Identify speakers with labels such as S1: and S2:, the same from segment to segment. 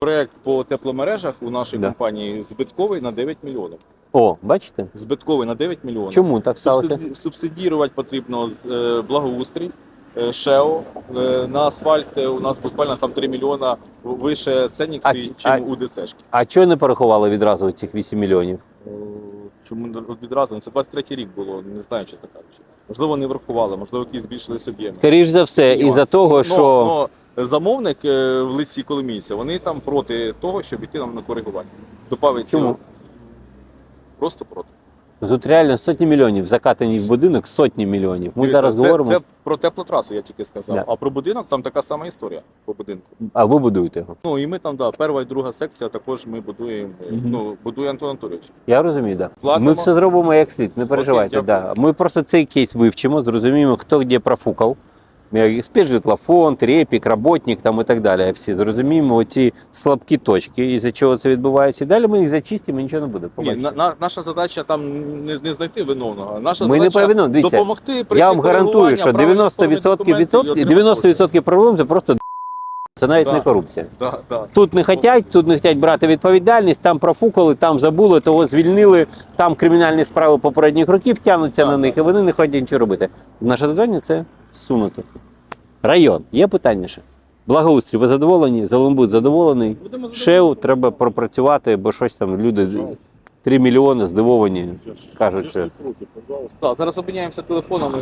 S1: Проект по тепломережах у нашій компанії збитковий на 9 мільйонів.
S2: О, бачите?
S1: Збитковий на 9 мільйонів.
S2: Чому так сталося?
S1: Субсидірувати потрібно благоустрій, ШЕО. На асфальт у нас буквально там 3 мільйона вище ценник стоїть, чим у ДЦшки.
S2: А чого не порахували відразу цих 8 мільйонів?
S1: Чому відразу? Це 23-й рік було, не знаю, чесно кажучи. Можливо, не врахували, можливо, якісь збільшились об'єми.
S2: Скоріш за все, із-за того, що...
S1: Замовник в лиці Коломійця, вони там проти того, щоб йти нам на коригування. Добавить
S2: Чому?
S1: Просто проти.
S2: Тут реально сотні мільйонів закатані в будинок, сотні мільйонів. Ми зараз говоримо...
S1: Це про теплотрасу, я тільки сказав.
S2: Да.
S1: А про будинок там така сама історія по будинку.
S2: А ви будуєте його?
S1: Ну і ми там, перша і друга секція також ми будуємо, будує Антон Анатолійович.
S2: Я розумію, так. Да.
S1: Платимо.
S2: Ми все зробимо як слід, не переживайте.
S1: Окей,
S2: да. Ми просто цей кейс вивчимо, зрозуміємо, хто де профукав. Спецжитлофонд, Репік, Работник там і так далі. Всі зрозуміємо оці слабкі точки, із-за чого це відбувається. І далі ми їх зачистимо, і нічого не буде.
S1: Ні, наша задача там не знайти виновного. Наша
S2: ми
S1: задача
S2: не Дивіться,
S1: допомогти прийти.
S2: Я вам гарантую, що 90% це проблем, це просто це навіть не корупція. Тут не хочуть брати відповідальність, там профукали, там забули, того звільнили, там кримінальні справи попередніх років тягнуться на них, і вони не хочуть нічого робити. Наше завдання – це сунути. Район. Є питання ще? Благоустрій, ви задоволені? Зеленбуд задоволений? ШЕУ треба пропрацювати, бо щось там люди 3 мільйони здивовані, кажуть, що...
S1: Так, зараз обміняємося телефонами.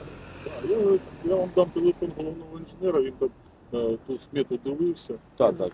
S3: Я вам дам телефон головного інженера, він там ту смету дивився.
S1: Так.